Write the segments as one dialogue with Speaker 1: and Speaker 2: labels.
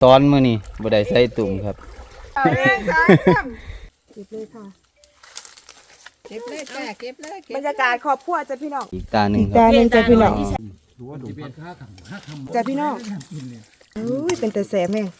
Speaker 1: ตอนมื้อนี้บ่ได้ใส่ตุ่มครับ
Speaker 2: เก็บเลยค่ะเก็บเลยจ้ะเก็บเลยบรรยากาศครอบครัวจ้ะพี่น้อง
Speaker 1: อีกตาหนึ่งครับ
Speaker 2: จ้ะพี่น้องจ้ะพี่น้องอุ้ยเป็นแต่แสบแม่ง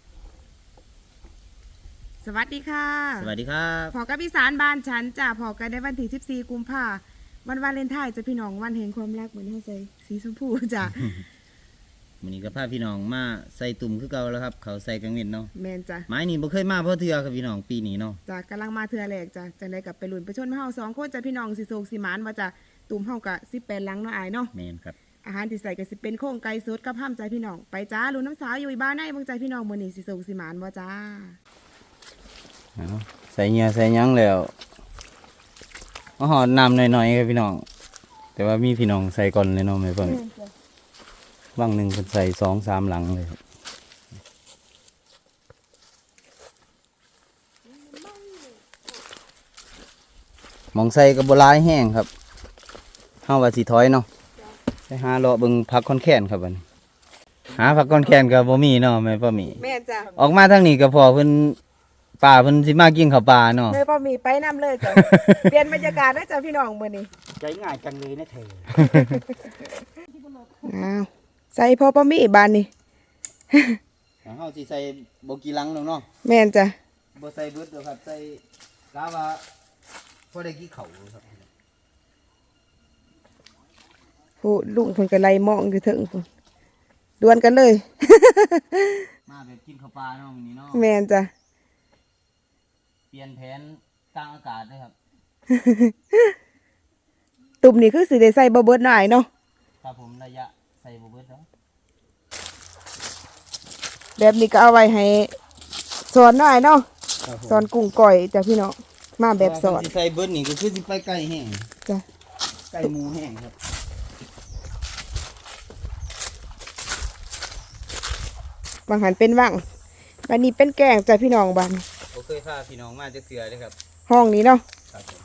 Speaker 2: สวัสดีค่ะ
Speaker 1: สวัสดีครับ
Speaker 2: พอกับอีสานบ้านฉันจ้ะพอกันได้วันที่14 กุมภาพันธ์วันวาเลนไทน์จ้ะพี่น้องวันแห่งความรักเหมือนที่ใส่สีชมพูจ้ะ
Speaker 1: มื้อนี้ก็พาพี่น้องมาใส่ตุ่มคือเก่าแล้วครับเขาใส่กังเว้นเนาะ
Speaker 2: แมนจ้ะ
Speaker 1: ไม้นี่บ่เคยมาเพราะเทื่อครับพี่น้องปีนี้เนาะ
Speaker 2: จ้ะกำลังมาเทื่อแรกจ้ะจังได้กับไปลุ้นไปชนเฮา2 คนจ้ะพี่น้องสิโศกสิหมานว่าจ้ะตุ่มเฮาก็18หลังเนาะอายเนาะ
Speaker 1: แม่นครับ
Speaker 2: อาหารที่ใส่ก็สิเป็นโครงไก่สดกับห้ามใจพี่น้องไปจ้าลุ้นน้ำสาวอยู่บ้านในเบิ่งใจพี่น้องมื้อนี้สิโศกสิหมานบ่จ้า
Speaker 1: เอาใส่เหงื่อใส่หยังแล้วมาหอดน้ำหน่อยๆครับพี่น้องแต่ว่ามีพี่น้องใส่ก่อนเลยเนาะแม่เพิ่นบางหนึงเพิ่นใส่2-3หลังเลยครับหมองใส่ก็บ่หลายแห้งครับเฮาว่าสิถอยเนาะไปหาเลาะเบิ่งผักคอนแคนครับบัดนี้หาผักคอนแคนก็บ่มีเนาะแม่ป้าหมี
Speaker 2: แม่จ้า
Speaker 1: ออกมาทางนี้ก็พอเพิ่นป่าเพิ่นสิมากินข้าวปลาเนาะ
Speaker 2: แม่ป้ามีไปนํเลยจ้ะ เปลี่ยนบรรยากาศได้จ้ะพี่น้องมื้อนี้
Speaker 3: ใจง่ายจังเลยนะเธอ
Speaker 2: อ้าวใส่พอป้ามีบ้านนี้
Speaker 1: เฮาสิใส่บ่กี่ลังเนาะ
Speaker 2: แม่นจ้ะ
Speaker 1: บ่ใส่เบิดดอกครับใส่กะว่าพอได้กี่ข้าวครับ
Speaker 2: ผู้ลุงเพิ่นก็ไล่มองอยู่เถิงพุ่นดวลกันเลย
Speaker 1: มาแบบกินข้าวปลาเนาะมื้อนี้เนาะ
Speaker 2: แม่นจ้ะ
Speaker 1: เปลี่ยนแผนกลางอากาศเลยครับ
Speaker 2: ตุ่มนี่คือสิได้ใส่บ่เบิดหน่อยเนาะ
Speaker 1: ครับผมระยะใส่บ่เบิดเนาะ
Speaker 2: แบบนี้ก็เอาไว้ให้สอนหน่อยเนาะสอนกุ้งก่อยจ้ะพี่น้องมาแบบสอน
Speaker 1: สิใส่เบิดนี่ก็คือสิไปไก่แห้ง
Speaker 2: จ้ะ
Speaker 1: ไก่หมูแห้งครับ
Speaker 2: บางหันเป็นว่างวันนี้เป็นแกงจ้ะพี่น้องบ้าน
Speaker 1: บ่เคยพาพี่น้องมาจักเทื่อเลยครับ
Speaker 2: ห้องนี้เนาะ
Speaker 1: ครับผม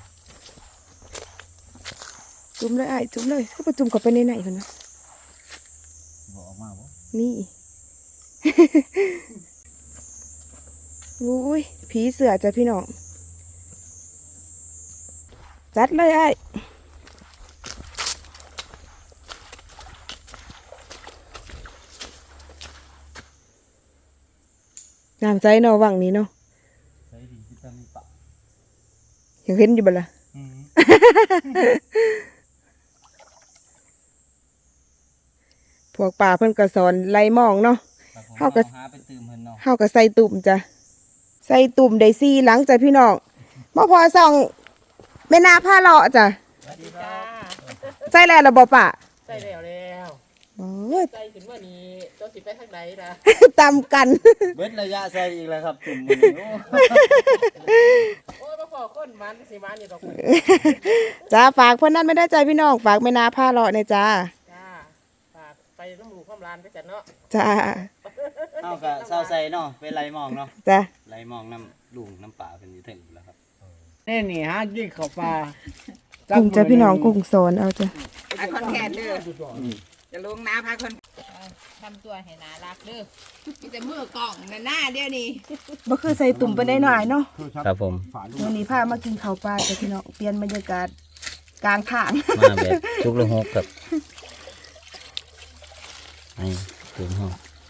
Speaker 2: จุ่มเลยไอ้ายจุ่มเลยก็ไปจุ่มเข้าไปในไหนกันนะ
Speaker 1: บ่ออกมาบ่
Speaker 2: นี่ อุ้ยผีเสือจ้ะพี่น้องจัดเลยไอ้ายน้ำใจเนาะว่างนี้เนาะ
Speaker 1: ใส่ดินที่ตั้งปะ
Speaker 2: ยังเห็นอยู่บ่ล่ะ พวกป่าเพิ่นก็สอนไล่มองเนาะ
Speaker 1: ครับผม
Speaker 2: เฮาก็
Speaker 1: หาไปตื่มเพิ่นเนาะ
Speaker 2: เฮาก็ใส่ตุ่มจ้ะใส่ตุ่มได้4หลังจ้ะพี่น้องบ่พอส่องแม่นาผ้าเลาะจ้ะ
Speaker 3: สวัสดีจ้า
Speaker 2: ใส่แล้วล่ะบ่ป่า
Speaker 3: ใส่แล้ว
Speaker 2: โอ้ย
Speaker 3: ใส่ถึงวันนี้ตัวสิไปทางไหนนะ
Speaker 2: ตำกัน
Speaker 1: เบิดระยะใส่อีกแล้วครับตุ่มมื้อนี้โอ้
Speaker 3: โอ้ยมาขอคนมันสิมันนี่ดอกมัน
Speaker 2: จ้าฝากเพิ่นนั้นไม่ได้ใจพี่น้องฝากแม่นาผ้าเลาะเนี่ยจ้า
Speaker 3: จ้าฝากไปน้ำหมูข้ามลานไปจัดเนาะ
Speaker 2: จ้า
Speaker 1: เฮาก็เซาใส่เนาะไปไล่มองเนาะ
Speaker 2: จ้า
Speaker 1: ไล่มองน้ำลุงน้ำป่าเพิ่นอยู่ถึงแล้วครับ
Speaker 3: นี่ฮะยิ่งเข้าปลา
Speaker 2: กุ้งจ้ะพี่น้องกุ้งสอนเอาจ้ะ
Speaker 4: พาคอนแคนเด้อจะลงน้ำพาคอนทำตัวให้น่ารักเด้อมีแต่มือกล่องนั่นหน้าเดียวนี่
Speaker 2: บ่คือใส่ตุ่มไปได้หน่อยเนาะ
Speaker 1: ครับผม
Speaker 2: วันนี้พามากินข้าวปลาจ้ะพี่น้องเปลี่ยนบรรยากาศกลางทาง
Speaker 1: มาแบบทุกละหกครับนี่ตุ่มเฮา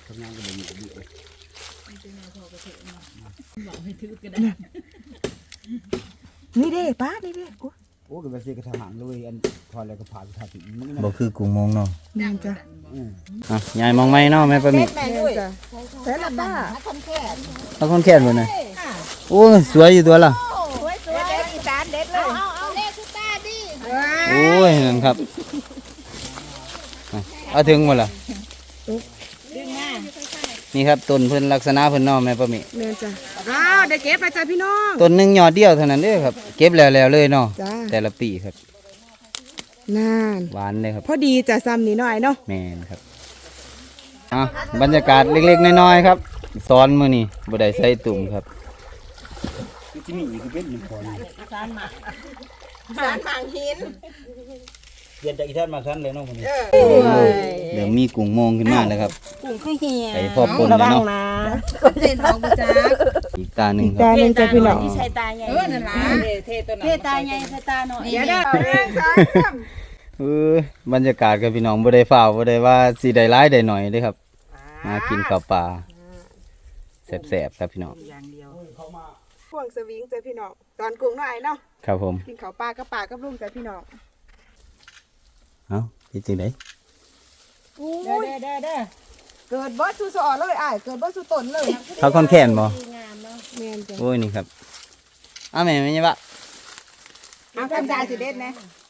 Speaker 2: นี่เด้ป้านี่เด้โอ้
Speaker 5: โอ้ก็ไปซื้อกระถางเลยอันพอแล้วก็ผ่านทางถึงมัน
Speaker 1: บ่คือกุ้งมงเนาะ
Speaker 2: นั่นจ้ะ
Speaker 1: อ่ะยายมองไหมเนาะแม่ปะมิ
Speaker 4: แม่
Speaker 2: แม่
Speaker 4: ด้วย
Speaker 2: จ้ะใส่ละป้า
Speaker 4: พาคอนแคน
Speaker 1: เอาคนแค้นบ่น่ะโอ้ยสวยอยู่ตัวล่ะ
Speaker 4: สวยสวยเด็ดอีสานเด็ดเลยเอาเล่สุตาดิ
Speaker 1: โอ้ยนั่นครับอ่ะเอาถึงบ่ล่ะ
Speaker 4: ดึงมา
Speaker 1: นี่ครับต้นเพิ่นลักษณะเพิ่นเนาะแม่ปะมิ
Speaker 2: แม่จ้ะอ้าวได้เก็บไปจ้ะพี่น้อง
Speaker 1: ต้นหนึงยอดเดียวเท่านั้นเด้อครับ เก็บแล้วเลยเนาะ
Speaker 2: จ้า
Speaker 1: แต่ละปีครับ
Speaker 2: นั่น
Speaker 1: หวานเลยครับ
Speaker 2: พอดีจ้ะซ้ำนี่หน่อยเนาะ
Speaker 1: แม่นครับอ่ะบรรยากาศเล็กๆน้อยๆครับสอนมื้อนี้บ่ได้ใส่ตุ่มครับ
Speaker 5: ที่นี่คือเป็นหนึ่งคน
Speaker 4: สารหมางหิน
Speaker 5: เปลี่ยนจากอีแทนมาทันเลยเนาะคนนี้
Speaker 1: เดี๋ยวมีกุ้งโมงขึ้นมาแล้วครับ
Speaker 4: กุ้งคือเหี่ย
Speaker 1: ไปพอปนเลยเนาะ
Speaker 4: คนเล่นทองกูจ้า
Speaker 1: อีกตาหนึ่งค
Speaker 2: ตา
Speaker 1: รับ
Speaker 2: หนึ่งจ้ะพี่น้อง
Speaker 4: ที่ใช้ตาใหญ่นั่นล่ะเทตัวนั้นเทตาใหญ่เทตาหน่อยเดี๋ยว
Speaker 1: บรรยากาศกับพี่น้องบ่ได้ฝ่าวบ่ได้ว่าสิได้ร้ายได้หน่อยเด้อครับมากินข้าวปลาแซ่บๆครับพี่น้อง
Speaker 4: อย่างเดียว
Speaker 2: พวงสวิงจ้ะพี่น้องตอนกุ้งน้อยเนาะ
Speaker 1: ครับผม
Speaker 2: กินข้าวปลากับปลากับลุงจ้ะพี่น้อง
Speaker 1: เอ้าเป็นจังได๋
Speaker 2: เด้เกิดบ่สุสอเลยอ้ายเกิดบ่สุตนเลย
Speaker 1: เขาค่อนแค้นบ่
Speaker 2: แม่นจ้ะ
Speaker 1: โอ้ยนี่ครับอ้าวแม่ไม่ใช่ปะ
Speaker 2: เอาทำได้สิเด็ดนะ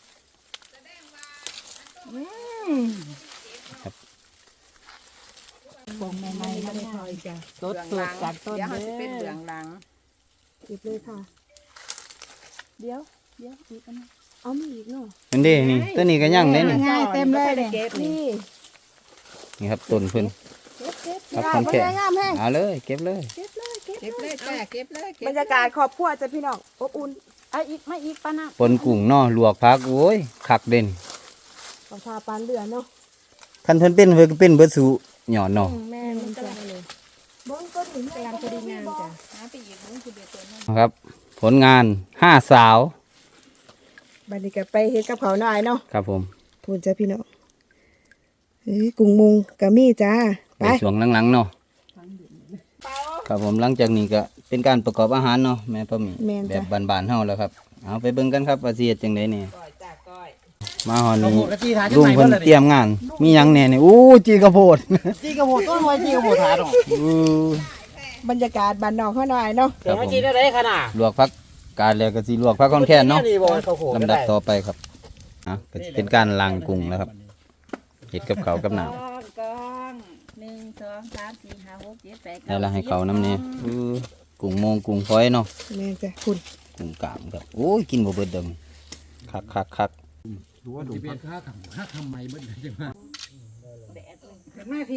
Speaker 4: ต้นจากต้นเดี๋ยวจะเป็นเหลืองหลัง
Speaker 2: หยิบเลยค่ะ เดี๋ยวอีกอันนึงเอามีอีกเนาะ
Speaker 1: นั่นเด้นี่ตัวนี้ก็ยังเด้นี่
Speaker 2: ง่ายเต็มเลยนี่
Speaker 1: นี่ครับต้นเพิ่น
Speaker 2: เก็บ
Speaker 1: ครับ
Speaker 2: ได้
Speaker 1: คน
Speaker 2: บ่
Speaker 1: แก่
Speaker 2: ได้งามแฮง
Speaker 1: เอาเลยเก็บเลย
Speaker 4: เก็บเลยจ้าเก็บเลย
Speaker 2: บรรยากาศครอบครัวจ้ะพี่น้องอบอุ่น
Speaker 4: เอาอีกไม่อีกปะนะ
Speaker 1: ปนกุ้งเนาะลวกผักโอ้ยคักเด่น
Speaker 2: ขอทาปานเรือเนาะ
Speaker 1: คันเพิ่นเป็นเพิ่นก็เป็นเบิดสุหย่อนเนาะ
Speaker 2: แม่มันจ้ะเลยบ่ต้นนี้กำลังพอดีงามจ้ะ
Speaker 4: หาไปอีกมึงคือเดือดตัวนั้น
Speaker 1: ครับ ผลงาน5สาว
Speaker 2: บัดนี้ก็ไปเฮ็ดกับเขาวหน่อยเนาะ
Speaker 1: ครับผม
Speaker 2: พูนจ้ะพี่น้องกุ้งมุงก็มีจ้า
Speaker 1: ไป
Speaker 2: ไป
Speaker 1: ช่วงหลังๆเนาะครับผมหลังจากนี้ก็เป็นการประกอบอาหารเนาะแม่ป้าหมี
Speaker 2: แม่น
Speaker 1: แบ
Speaker 2: จ้ะ
Speaker 1: บบ้านๆเฮาแล้วครับเอาไปเบิ่งกันครับว่าสิเฮ็ดจังได๋นี่
Speaker 4: ก้อยจ้าก้อย
Speaker 1: มาฮอด
Speaker 5: ข้าว
Speaker 1: นี้
Speaker 5: โพดกะจีถาจัง
Speaker 1: ลุง
Speaker 5: ไหน
Speaker 1: เพิ่น
Speaker 5: เพิ่น
Speaker 1: เตรียมงาน มีหยังแหน่นี่อู้จีกระโพด
Speaker 5: จีกระโพดต้นไว้จีกระโพดถาดอก
Speaker 1: อู้
Speaker 2: บรรยากาศบ้านนอกเขาหน่อยเนาะ
Speaker 5: เดี๋ยวให้จีได้ได้ขนาด
Speaker 1: ลวกผักกาดแล้วก็สิลวกผักคอนแค้นเนาะ
Speaker 5: นี่บ่ข้าวโพด
Speaker 1: ลำดับต่อไปครับอ่ะก็สิเป็นการล้างกุ้งแล้วครับเฮ็ดกับข้าวกับน้ำ
Speaker 4: กอง1 2 3 4 5 6 7 8
Speaker 1: แล้วล่ะให้เขาน้ำนี่กุ้งโมงกุ้งฝอยเนาะ
Speaker 2: แม่นจ้ะคุณ
Speaker 1: กุ้งกามครับโอ้ยกินบ่เบิดเดิมคัก
Speaker 5: ดูว่าดูเป็นค่าทำไมเบิ่งจังว่า
Speaker 4: เห็นไหมพี่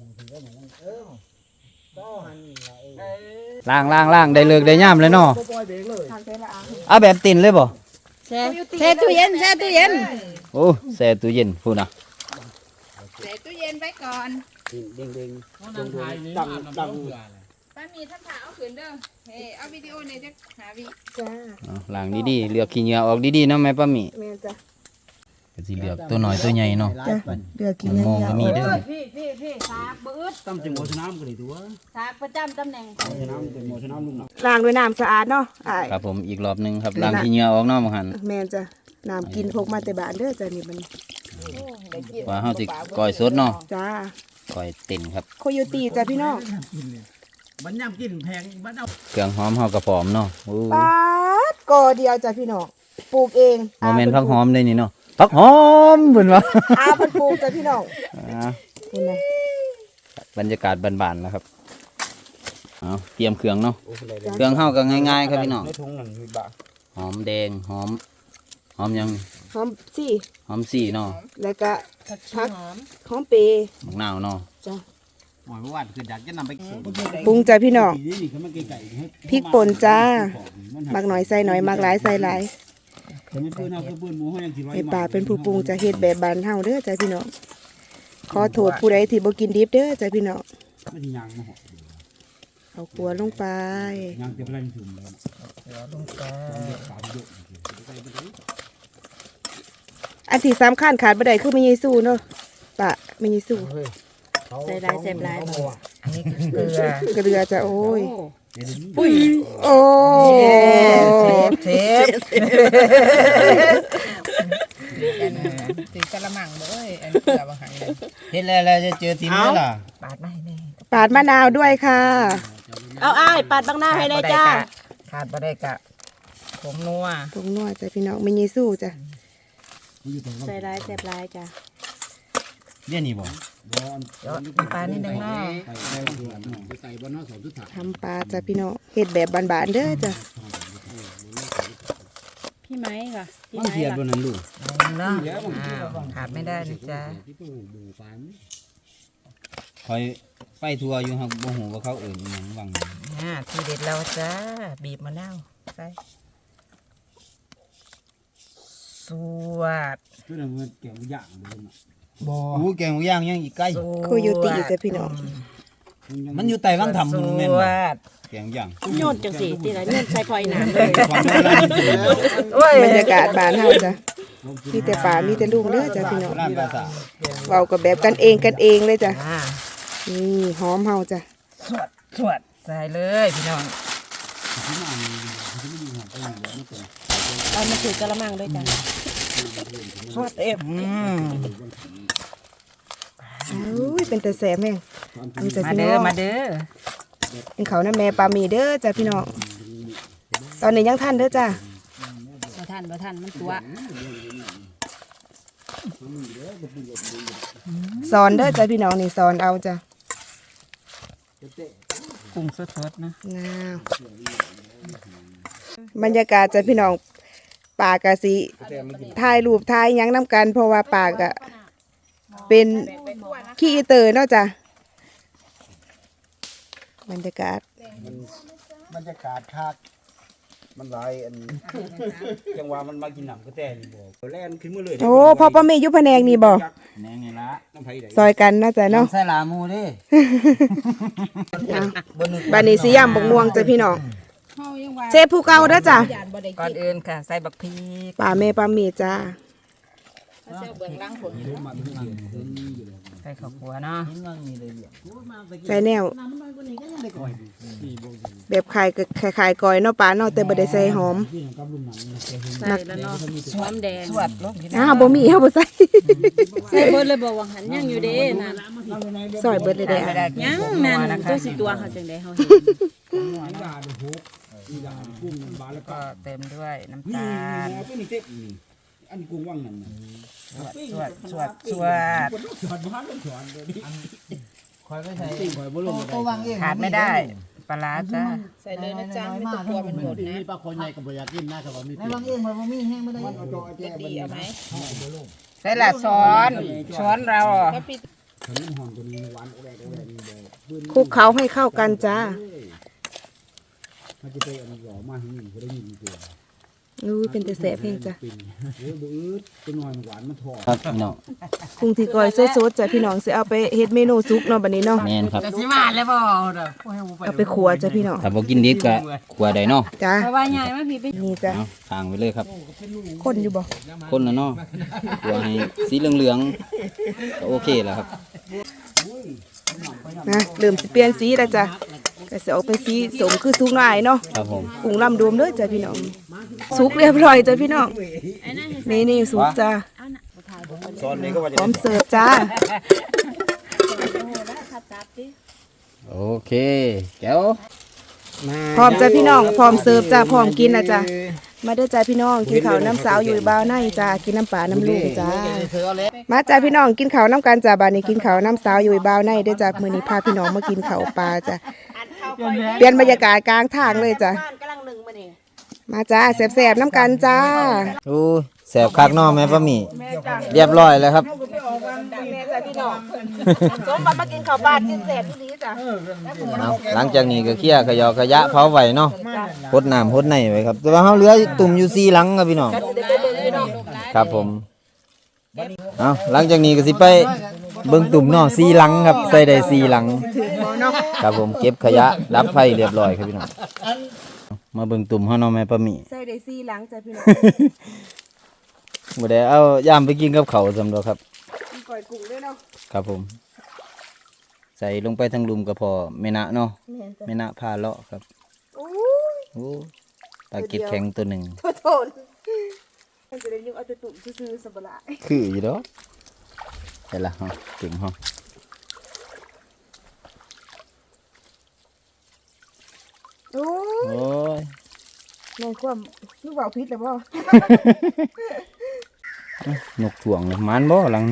Speaker 1: ล้างได้เลิกได้ย่ามเลยเนาะ
Speaker 5: ปล่อยเบรกเลย
Speaker 2: ทางเส้นละอ่ะ
Speaker 1: เอาแบบตินเลยบ่
Speaker 4: แช่ตู้เย็นแช่ตู้เย็น
Speaker 1: โอ้แช่ตู้เย็นพูดนะ
Speaker 4: แช่ตู้เย็นไว้ก่อน
Speaker 5: เด้งดัง
Speaker 4: ป้ามีท่านถ่าเอาขืนเด้อเฮ้เอาวิดีโอเนี่ยจะหาวิ
Speaker 2: จ้า
Speaker 1: เอาล้างดีๆเลือกขี้เหงื่อออกดีๆเนาะแม่ป้าหมี
Speaker 2: แม่นจ้ะ
Speaker 1: ก็สิเลือกตัวน้อยตัวใหญ่เนาะ
Speaker 2: จ้ะเดือกิน
Speaker 1: มองก็มีเด้อ
Speaker 4: พี่สากบืด
Speaker 5: ตั้มจังหวะสนามก็ได้ตัว
Speaker 4: สากประจำตำแหน่ง
Speaker 5: สนามจังหวะสนามลุงน่ะ
Speaker 2: ล้างด้วยน้ำสะอาดเนาะอ้าย
Speaker 1: ครับผมอีกรอบหนึงครับล้างขี้เหงื่อออกเนาะบ่หัน
Speaker 2: แม่นจ้ะน้ำกินพกมาแต่บ้านเด้อจ้ะนี่มัน
Speaker 1: ว่าเฮาสิก้อยสดเนาะ
Speaker 2: จ้า
Speaker 1: ก้อยเต็นครับ
Speaker 2: โคโยตีจ้ะพี่น้อง
Speaker 5: มันย่ำกินแพงมันเอา
Speaker 1: เครื่องหอมเฮาก็พร้อมเนาะโอ้
Speaker 2: ปาดกอเดียวจ้ะพี่น้องปลูกเอง
Speaker 1: บ่แม่นผักหอมได้นี่เนาะผักหอมเพิ่นว่า
Speaker 2: อาเพิ่นปลูกจ้ะพี่น้อง
Speaker 1: อ่า
Speaker 2: คุณนะ
Speaker 1: บรรยากาศบ้านๆแล้วครับเอาเตรียมเครื่องเนาะ
Speaker 5: โอ้โหเลย
Speaker 1: เครื่องเฮาก็ง่ายๆครับพี่น้อง
Speaker 5: ในถุงนั่นมีบะ
Speaker 1: หอมแดงหอมยัง
Speaker 2: หอมสี่
Speaker 1: หอมสี่เนาะ
Speaker 2: แล้วก็ผักหอมเป
Speaker 1: มะนาวเนาะ
Speaker 2: จ้ะ
Speaker 5: หมายว่าคืออยากจะนำไป
Speaker 2: ปรุงจ้ะพี่น้อง
Speaker 5: นี่คือมันไก่
Speaker 2: พริกป่นจ้ามักหน่อยใส่หน่อยมักหลายใส่หลาย
Speaker 5: แต่ไม่ปืนเอาคือปืนหมูเฮายังสิไว้
Speaker 2: ไอ้ป่าเป็นผู้ปรุงจะเฮ็ดแบบบ้านเฮาเด้อจ้ะพี่น้องขอโทษผู้ใดที่บ่กินดิบเด้อจ้ะพี่น้อง
Speaker 5: มันสิยางมาหอ
Speaker 2: เอากลัวลงไป
Speaker 5: ยางเต็มแรงถุงแล้วลงไป
Speaker 2: อันที่สำคัญขาดบ่ได้คือแม่ยีสู้เนาะปะแม่ยีสู้ใส่หลายแซ่บหลาย
Speaker 4: อันนี้เกลือ
Speaker 2: เกลือจ้ะโอ้ยโอ้
Speaker 4: เทปตีกระมังเลยอันเกลือบางหันเลย
Speaker 1: เฮ็ดแล้วจะเจอทีมแล้วล่ะ
Speaker 4: ปาดมาให้แน่
Speaker 2: ปาดมะนาวด้วยค่ะ เอาอ้ายปาดบางหน้าให้ได้จ้า
Speaker 4: ขาดบ่ได้กะผมนัว
Speaker 2: ปรุงนัวจ้ะพี่น้องแม่ยีสู้จ้ะใส่หลายแซ่บหลายจ้ะ
Speaker 1: เดี๋ยวนี้บ่
Speaker 4: เดี๋ยวปลานิดนึงเนาะ
Speaker 5: ใส่บนน้อสองทุกถา
Speaker 2: ทำปลาจ้ะพี่น้องเฮ็ดแบบบานๆเด้อจ้ะ
Speaker 4: พี่ไม้ค่ะพี่
Speaker 1: มัน
Speaker 4: ไม้
Speaker 1: เสียดบ่นั่นลูก
Speaker 4: เนาะขาดไม่ได้นะจ๊ะ
Speaker 1: คอยไปทัวร์อยู่ครับบ่ฮู้ว่าเขาเอิ้นอิหยังวัง
Speaker 4: ทีเด็ดเราจ้าบีบมะนาวใส่
Speaker 1: ซ
Speaker 4: วด
Speaker 5: ตัวนั้นมันแกงย่างเลยนะ
Speaker 1: บ่โอ้แกงหมูย่างยังอีกไกล
Speaker 2: โคโยติจ้ะพี่น้อง
Speaker 1: มันอยู่ใต้วังทำมันแม่น
Speaker 4: ส
Speaker 1: บ่
Speaker 4: วด
Speaker 1: แกงย่าง
Speaker 6: โยนจังสิตีละโยนใส่พลอยน้ำเลย
Speaker 1: ความโบราณจริงๆแล้ว
Speaker 2: บรรยากาศบ้านเฮาจ้ะมีแต่ป่ามีแต่ลุงเด้อจ้ะพี่น้อง
Speaker 1: ร้านภาษา
Speaker 2: เว้ากับแบบกันเองเลยจ้ะ
Speaker 4: อ่า
Speaker 2: นี่หอมเฮาจ้ะ
Speaker 4: สวดใส่เลยพี่น้อง
Speaker 6: เอามาถือกระมังด้วยจ้ะ
Speaker 4: สวดเอ็ม
Speaker 2: อุ้ยเป็นแต่แสบแม่งนี่จ้ะ
Speaker 4: มา
Speaker 2: พี่น้
Speaker 4: เด้
Speaker 2: อ
Speaker 4: อง มาเด้อ
Speaker 2: กินข้าวน้ำแม่ปลาหมี่เด้อจ้ะพี่น้องตอนนี้ยังทันเด้อจ้ะ
Speaker 6: บ่ทันมันตัว
Speaker 2: สอนเด้อจ้ะพี่น้องนี่สอนเอาจ้ะ
Speaker 4: กุ้งสดๆนะ
Speaker 2: งามบรรยากาศจ้ะพี่น้องป่ากะสิถ่ายรูปถ่ายหยังน้ำกัน เพราะว่าป่ากะเป็นขี้อีเตอร์เนาะจ้ะบรรยากาศ
Speaker 5: บรรยากาศคักมันหลายอันจังหวะมันมากินน้ำกระแตนี่บ่แล่นขึ้นมาเลย
Speaker 2: โอ้พ่อป้าเมย์อยุพแผนงนี่บ่
Speaker 5: แหนงไงละน้ำไผได้
Speaker 2: ซอยกันนะจ้ะเนาะ
Speaker 1: ใส่ลาหมูเด้
Speaker 2: อ่ะบานนี้สิย่ำบกม่วงจ้ะพี่น้องเชฟผู้เก่าเด้อจ้ะ
Speaker 4: ก่อนอื่นค่ะ ใส่บักพริก
Speaker 2: ป่าเมย์ป้าเมย์จ้า
Speaker 6: เสื้อเบื้องล่างผล
Speaker 4: ใส่ข้าวคั่วเนาะ
Speaker 2: ใส่แนวแบบขายกอยเนาะป้าเนาะแต่บ่ได้ใส่หอม
Speaker 6: ใส่แล้วเนาะหอมแดง
Speaker 4: สวดลงพี่น้อง
Speaker 2: อ้าวบ่มีเฮาบ่ใส่
Speaker 6: ใส่เบิดเลยบอกว่าหันยังอยู่เด้นั่น
Speaker 2: ซอยเบิดเลยเด้อ
Speaker 4: ไม่ได้
Speaker 6: ยัง
Speaker 4: กุ้
Speaker 6: นั่น
Speaker 4: นะ
Speaker 6: ตั
Speaker 4: คะ
Speaker 6: วสิตัวเขาจังได๋เฮาเห็น
Speaker 5: กุ้งมันบาแล้วก็
Speaker 4: ก็เต็มด้วยน้ำ
Speaker 5: นี่
Speaker 4: ตาล
Speaker 5: ตัวนี้เต็มนี่อันกุ้งว่างนั่นน่ะ
Speaker 4: สวด
Speaker 5: สอนบ้านสอนตัวนี้
Speaker 1: คอยไปใส่
Speaker 5: ติ่งข่อยบ่ลงบ่
Speaker 1: ก็
Speaker 5: ได้
Speaker 1: วางเอง
Speaker 4: ขาดไม่ได้ปลาร้าจ้า
Speaker 6: ใส่เลยนะจ๊ะไม่ต้องกลัวมันหมดนะ
Speaker 5: มีปลาคนใหญ่ก็บ่อยากกินนะครับว่ามี
Speaker 1: ในวางเองมันบ่มีแห้งบ่ได้
Speaker 5: มันเอาจอแจ้
Speaker 6: ดีเอาไหม
Speaker 4: ใส่ละช้อนเรา
Speaker 6: ก็ปิด
Speaker 5: ขนมหอมตัวนี้หวานโอแรกนี่บ่
Speaker 2: คลุกเคล้าให้เข้ากันจ้า
Speaker 5: มันจะไปอันหล่อมาให้นี่บ่ได้ยินตัว
Speaker 2: อู้ยเป็นแต่แสบเพียงจ้ะ
Speaker 5: เป็นโอ้ยบ่อืดตัวน้อยมันหวานมันทอด
Speaker 1: ครับพี่น้อง
Speaker 2: กุ้งที่ก้อยสดๆจ้ะพี่น้องสิเอาไปเฮ็ดเมนูซุปเนาะบัดนี้เนาะ
Speaker 1: แม่นครับ
Speaker 4: จะสิมาแล้วบ่เด้อ
Speaker 2: เอาไปขัวจ้ะพี่น้อง
Speaker 1: ถ้าบ่กินดิบก็ขัวได้เนาะ
Speaker 2: จ้า
Speaker 6: เพราะว่าใหญ่มาพี่ไป
Speaker 2: นี่จ้ะ
Speaker 1: เอาทางไปเลยครับ
Speaker 2: คนอยู่บ่
Speaker 1: คนละเนาะขัวให้สีเหลืองๆก็โอเคแล้วครับ
Speaker 2: นะเริ่มสิเปลี่ยนสีแล้วจ้ะก็สิออกเป็นสีสมคือสุกหน่อยเนาะ
Speaker 1: ครับผม
Speaker 2: กุ้งลำดวมเด้อจ้ะพี่น้องสุกเรียบร้อยจ้ะพี่น้องนี่สุกจ้ะ
Speaker 5: ซอนนี้ก็ว่า
Speaker 2: พร้อมเสิร์ฟจ้า
Speaker 1: โอเคแก้ว
Speaker 2: พร้อมจ้ะพี่น้องพร้อมเสิร์ฟจ้ะพร้อมกินนะจ้ะมาเด้อจ้ะพี่น้องกินข้าวน้ำสาวอยู่บ้าวในจ้ะกินน้ำปลาน้ำลูกจ้ามาจ้ะพี่น้องกินข้าวน้ำกันจ้ะบ้านนี้กินข้าวน้ำสาวอยู่บ้าวในเด้อจ้ะมื้อนี้พาพี่น้องมากินข้าวปลาจ้ะเปลี่ยนบรรยากาศกลางทางเลยจ้ะ
Speaker 6: บ้านกำลังหนึ่งมานี่
Speaker 2: มาจ้าแซ่บๆน้ำกันจ้า
Speaker 1: โอ้แสบคักเนาะแม่ป้าหมีเรียบร้อยแล้วครับ
Speaker 2: แม่จ้ะพี่น้องสมบัติมากินข้าวปลากินแซ่บที่นี้จ้ะ
Speaker 1: เอาหลังจากนี้ก็เคลียร์ขยอขยะเผาไว้เนาะพดน้ำพดในไว้ครับ แต่ว่าเฮาเหลือตุ่มอยู่4หลังครับพี่น้องครับผมเอาหลังจากนี้ก็สิไปเบิ่งตุ่มเนาะ4หลังครับใส่ได้4หลังครับผมเก็บขยะดับไฟเรียบร้อยครับพี่น้องมาเบิ่งตุ่มเฮาเนาะแม่ป้าหมี
Speaker 2: ใส่ได้4หลังจ้ะพี่น้อง
Speaker 1: บ่ได้เอาย่ามไปกินกับเขาวสำหรับครับ
Speaker 2: กินก้อยกุ้งด้วยเนาะ
Speaker 1: ครับผม ใส่ลงไปทั้งลุมก็พอแม่นะเนาะ
Speaker 2: แม่นจ้ะ
Speaker 1: แม่นะพาเลาะครับ
Speaker 2: โอ้ย
Speaker 1: โอ้ปลาเก็ดแข็งตัวหนึ่ง
Speaker 2: โทษมันจะได้ยุ่งเอาแต่ตุ่มซื่อๆสบาย
Speaker 1: คืออยู่ดอกแต่ละฮะเก่งฮะ
Speaker 2: โอ้ย
Speaker 1: โอ้ย
Speaker 2: แม่นความลูกว่าวพิษเลยบ่
Speaker 1: นกถ่วงเลยมันบ่หลัง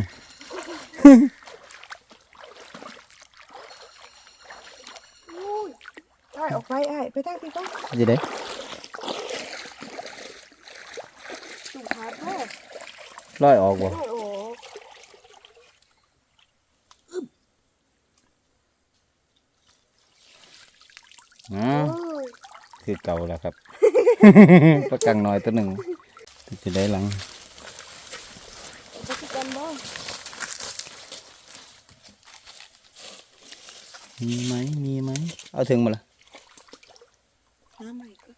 Speaker 2: อ้ายออกไปอ้ายไปทางที่ต้อง
Speaker 1: จะได้
Speaker 2: ตุ่มขาดบ่
Speaker 1: ลอยออกบ่
Speaker 2: โอ้โห
Speaker 1: อ๋อ
Speaker 2: โอ้ย
Speaker 1: คือเก่าแล้วครับ ปลากังน้อยตัวหนึ่งจะได้หลังมีไหมมีไหมเอาถึงมาละ
Speaker 2: น้ำใหม่ก็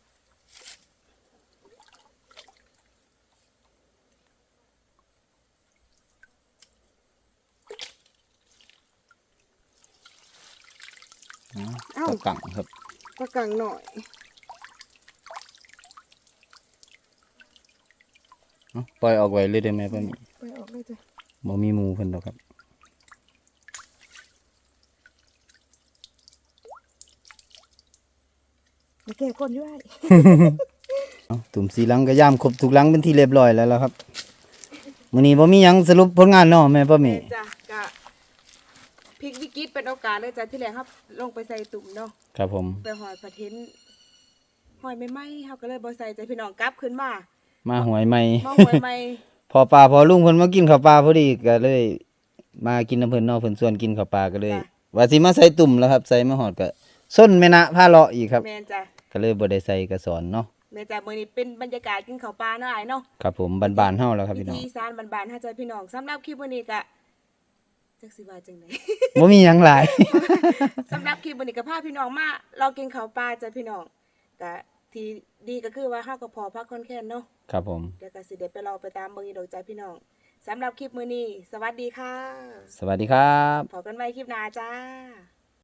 Speaker 1: ตะกังครับ
Speaker 2: ปลากังหน่อย
Speaker 1: ปล่อยออกไว้เลยได้ไหมป้าหมี
Speaker 2: ไปออกเลยจ้ะ
Speaker 1: บ่มีหมูเพิ่นดอกครับ
Speaker 2: มาแก้ก้นด้วย
Speaker 1: เอาตุ่มสีหลังก็ย่ามครบทุกหลังเป็นที่เรียบร้อยแล้วล่ะครับมื้อนี้บ่มีหยังสรุปผลงานเนาะแม่ป้าหมี
Speaker 2: จ้ะกะพลิกวิกฤตเป็นโอกาสเลยจ้ะที่แรกครับลงไปใส่ตุ่มเนาะ
Speaker 1: ครับผม
Speaker 2: ไปหอยประเทนหอยไม่ไหมเขาก็เลยบ่ใส่ใจพี่น้องกลับขึ้นมา
Speaker 1: มาหวยใหม่
Speaker 2: มาหอยใหม่
Speaker 1: พอปลาพอลุงเพิ่นมากินข้าวปลาพอดีก็เลย มากินน้ำเพิ่นเนาะเพิ่นชวนกินข้าวปลาก็เลย ว่าสิมาใส่ตุ่มแล้วครับใส่มาหอดก็ส้นแม่นะพาเลาะอีกครับ
Speaker 2: แม่นจ้ะ
Speaker 1: ก็เลยบ่ได้ใส่กระสอนเนาะ
Speaker 2: แม่นจ้ะมื้อนี้เป็นบรรยากาศกินข้าวปลาเนาะอ้ายเนาะ
Speaker 1: ครับผมบ้านๆเฮาแล้วครับ
Speaker 2: วิ
Speaker 1: พี่น้อง
Speaker 2: ธีอีสานบ้านๆเฮาจ้ะพี่น้องสำหรับคลิปมื้อนี้ก็จักสิว่าจังได
Speaker 1: บ่มีหยังหลาย
Speaker 2: สำหรับคลิปวันนี้ก็พาพี่น้องมาเรากินข้าวปลาจ้ะพี่น้องก็ที่ดีก็คือว่าเฮาก็พอพักคอนแค้นเนาะ
Speaker 1: ครับผม
Speaker 2: เดี๋ยวก็สิได้ไปรอไปตามเบิ่งอีดอกจ้ะพี่น้องสำหรับคลิปมื้อนี้สวัสดีค่ะ
Speaker 1: สวัสดีครับ
Speaker 2: พบกันใหม่คลิปหน้าจ้า